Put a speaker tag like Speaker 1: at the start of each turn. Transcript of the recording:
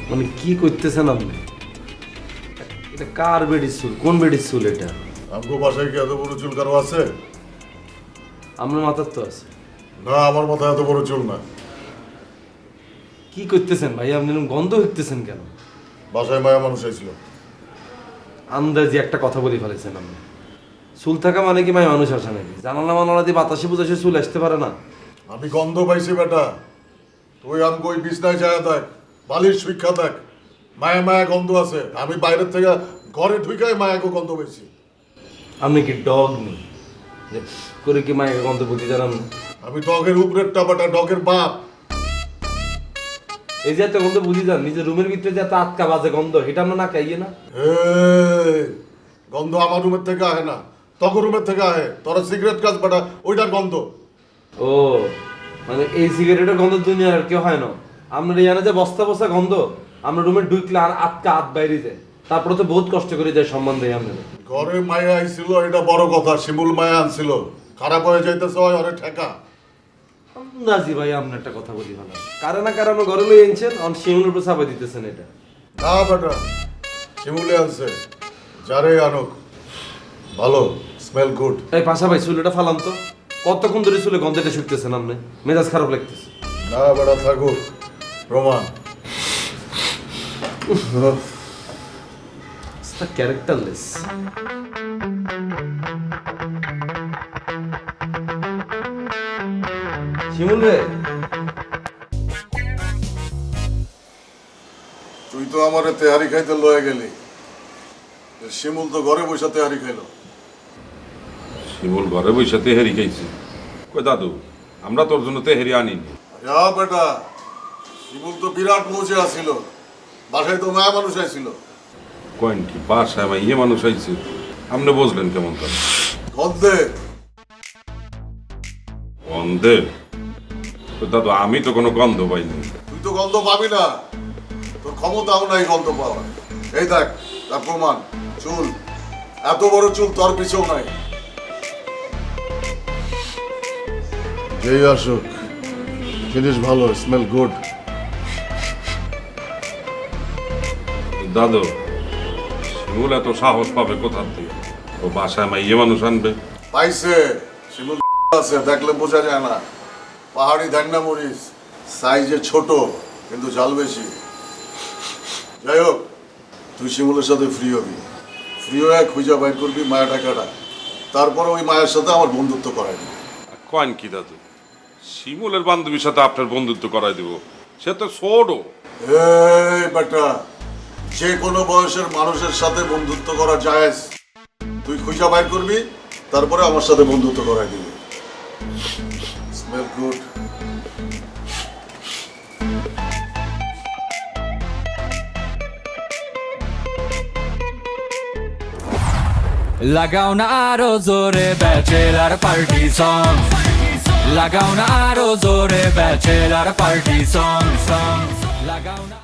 Speaker 1: মানে কি করতেছেন আপনি? এটা কার বেডির চুল? কোন বেডির চুল এটা?
Speaker 2: আমগো বাসায় কি এত বড় চুল কারো আছে?
Speaker 1: আপনার মাথার তো আছে।
Speaker 2: না, আমার মাথায় এত বড় চুল না।
Speaker 1: কি করতেছেন ভাই? আপনি এরকম গন্ধ হইতেছেন কেন?
Speaker 2: বাসায় মায়া মানুষ আইছিল।
Speaker 1: আন্দাজি একটা কথা বলে ফেলেছেন আপনি। চুল থাকা মানে কি ভাই মানুষ আসে নাকি? জানালা মানালা দিয়ে বাতাসে বুঝাসে চুল আসতে পারে না?
Speaker 2: আমি গন্ধ পাইছি বেটা। তুই আমগো ওই বিছনায় যায় দেখ, বালির শিক্ষা দেখ, মায়া মায়া গন্ধ আছে। আমি বাইরের থেকে ঘরে ঢুকাই মায়াকে গন্ধ পাইছি।
Speaker 1: আপনি কি ডগ নেই যে করে কি মায়ের গন্ধ বুঝি জানান না?
Speaker 2: আমি ডগের উপরের টাপাটা, ডগের বাপ।
Speaker 1: এই যে এত গন্ধ বুঝি যান, নিজের রুমের ভিতরে যে এত আটকা বাজে গন্ধ, এটা আমরা না খাইয়ে না?
Speaker 2: এই, গন্ধ আমার রুমের থেকে আহে না, তখন রুমের থেকে আহে। তোরা সিগারেট কাজ বেটা, ওইটার গন্ধ।
Speaker 1: ও মানে এই সিগারেটের গন্ধ দুনিয়ার আর কেউ হয় না। আমরা জানে যে বস্তা বস্তা গন্ধ, আমরা রুমে ঢুকলে আর আটকা হাত বাইরে যায়, তারপরে তো বহুত কষ্ট করে যায় সম্মান দেয় আমরা।
Speaker 2: ঘরে মায়া আইছিল, এটা বড় কথা। শিমুল মায়া আনছিল, খারাপ হয়ে যাইতেছে হয় অনেক ঠেকা।
Speaker 1: নাজি ভাই, আপনি একটা কথা বলি ভালো, কারণ না কারণ ঘরে লই আনছেন, অন শিমুলের উপর চাপাই দিতেছেন এটা।
Speaker 2: না বেটা, শিমুলে আনছে, যারে আনুক ভালো, স্মেল গুড।
Speaker 1: এই পাশা ভাই চুলটা ফালাম তো, কতক্ষণ ধরে চুলে গন্ধটা শুকতেছেন আপনি? মেজাজ খারাপ লাগতেছে।
Speaker 2: না বেটা, থাকুক প্রমাণ।
Speaker 1: ক্যারেক্টারলেস। শিমুল রে,
Speaker 2: তুই তো আমার তেহারি খাইতে লয়ে গেলি, শিমুল তো ঘরে বসে তেহারি খাইলো।
Speaker 3: শিমুল ঘরে বসে তেহারি খাইছে? কই দাদু, আমরা তোর জন্য তেহারি আনিনি।
Speaker 2: যা বেটা, শিমুল তো বিরাট মজে আসিল, বাসায় তো মায়া মানুষ আইছিল।
Speaker 3: কয়েন কি বাসায় আমার ইয়ে মানুষ আইছে? আপনি বুঝলেন কেমন তার
Speaker 2: গন্ধে?
Speaker 3: গন্ধে? কই দাদু, আমি তো কোনো গন্ধ পাইনি।
Speaker 2: তুই তো গন্ধ পাবি না, তোর ক্ষমতাও নাই গন্ধ পাওয়ার। এই দেখ তার প্রমাণ, চুল, এত বড় চুল তোর পিছেও নাই। যেই আসুক, জিনিস ভালো, স্মেল গুড।
Speaker 3: দাদু, শিমুল এত সাহস পাবে কোথার থেকে? ও বাসায় আমার ইয়ে মানুষ আনবে?
Speaker 2: পাইছে, শিমুল আছে, দেখলে বোঝা যায় না। পাহাড়ি ধান্না মরিচ, সাইজে ছোট কিন্তু জাল বেশি। যাই হোক, তুই শিমুলের সাথে ফ্রি হবি, ফ্রি হয়ে খুঁজা বাইর করবি মায়া টাকাটা, তারপরে ওই মায়ের সাথে আমার বন্ধুত্ব করাই দিবি।
Speaker 3: কয়েন কি দাদু, শিমুলের বান্ধবীর সাথে আপনার বন্ধুত্ব করাই দিব? সে তো ছোট।
Speaker 2: এই বেটা, যে কোনো বয়সের মানুষের সাথে বন্ধুত্ব করা জায়েজ। তুই খুঁজা বাইর করবি, তারপরে আমার সাথে বন্ধুত্ব করাই দিবি। Smell good.
Speaker 4: লাগাও না আরো জোরে ব্যাচেলার পার্টি সং, লাগাও না আরো জোরে ব্যাচেলার পার্টি সং, লাগাও না।